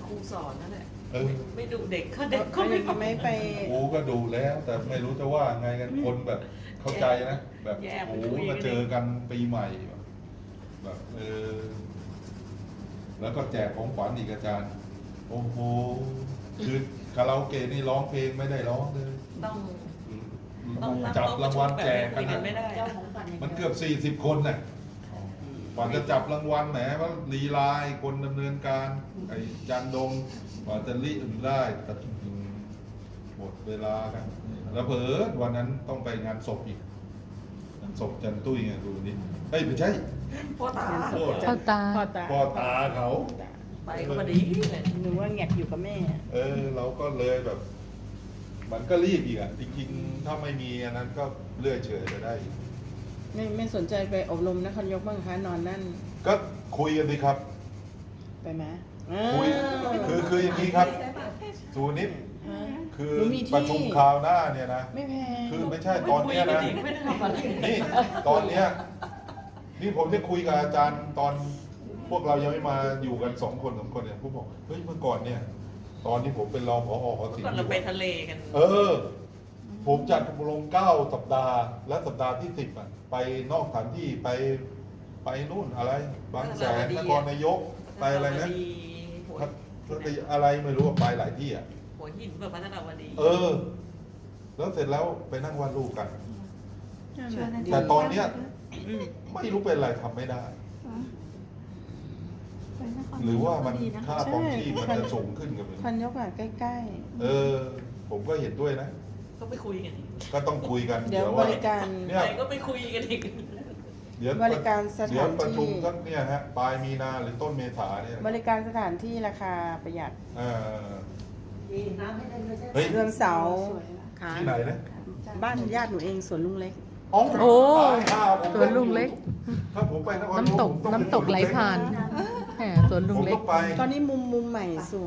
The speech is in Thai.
ครูสอนนั่นแหละเออไม่ดุเด็กเขาเด็กเขาไม่ไม่ไม่ไปครูก็ดูแล้ว แต่ไม่รู้จะว่าไงกันคนแบบเข้าใจนะ แบบโอ้โหมาเจอกันปีใหม่แบบแล้วก็แจกของขวัญอีกอาจารย์ โอ้โหคือคาราโอเกะนี่ร้องเพลงไม่ได้ร้องเลยต้องนั่งจับรางวัลแจกคุกันยกันะนไม่ได้เจ้าของฝันอย่างมันเดีเกืยวอบ40 คนน่ะกว่าจะจับรางวัลแหมว่าลีลาไอ้คนดำเนินการไอ้จันดงกว่าจะรีบได้แต่หมดเวลากันแล้วเผลอวันนั้นต้องไปงานศพอีกงานศพจันตุ้ยไงดูนี่เอ้ยไม่ใช่พ่อตาพ่อตาพ่อตาพ่อตาเขาไปก็พอดีเลยหนูว่าแงกอยู่กับแม่เราก็เลยแบบ มันก็รีบอีกอ่ะจริงๆถ้าไม่มีอันนั้นก็เลื่อยเฉยไปได้อีกไม่สนใจไปอบรมนครนายกบ้างคะนอนนั่นก็คุยกันสิครับไปไหมคุยคืออย่างนี้ครับสูนิดฮะคือหนูมีที่ประชุมคราวหน้าเนี่ยนะไม่แพงคือไม่ใช่ตอนเนี้ยนะไม่ได้ทำอะไรนี่ตอนเนี้ยนี่ผมได้คุยกับอาจารย์ตอนพวกเรายังไม่มาอยู่กัน2 คน3 คนเนี่ยผมบอกเฮ้ยเมื่อก่อนเนี่ย ตอนที่ผมเป็นรองผอหอศิลก่อนป์เราไปทะเลกันผมจัดอบรม9 สัปดาห์ และสัปดาห์ที่10อ่ะไปนอกสถานที่ไปนู่นอะไร บางแสนนครนายกไปอะไรนะอะไรไม่รู้ว่าไปหลายที่อ่ะหัวหินแบบพัฒนาวดีแล้วเสร็จแล้วไปนั่งวาดรูปกันชวนอาจารย์แต่ตอนเนี้ยอืมไม่รู้เป็นอะไรทำไม่ได้ไปนคหรือว่ามันดีนะค่าครองชีพมันจะสูงขึ้นกันเลยพันยกอ่ะใกล้ผมก็เห็นด้วยนะก็ไปคุยกันอีกก็ต้องคุยกันๆ เดี๋ยวบว่าริการเนี่ยไปก็ไปคุยกันอีกเดี๋ยวบริการสถานที่เดี๋ยวประชุมสักเนี่ยฮะปลายมีนาหรือต้นเมษาเนี่ยบริการสถานที่ราคาประหยัดเออดีน้ำให้ได้ไม่ใช่เฮ้ยเรือนเสาค่ะที่ไหนนะบ้านญาติหนูเองสวนลุงเล็กโอ้ตายห่าผมสวนลุงเล็กถ้าผมไปนครน้ำตกผมองน้ำตกไหลผ่านแหมสวนลุผงมเล็ต้กองไปตอนนี้มุมใหม่สวย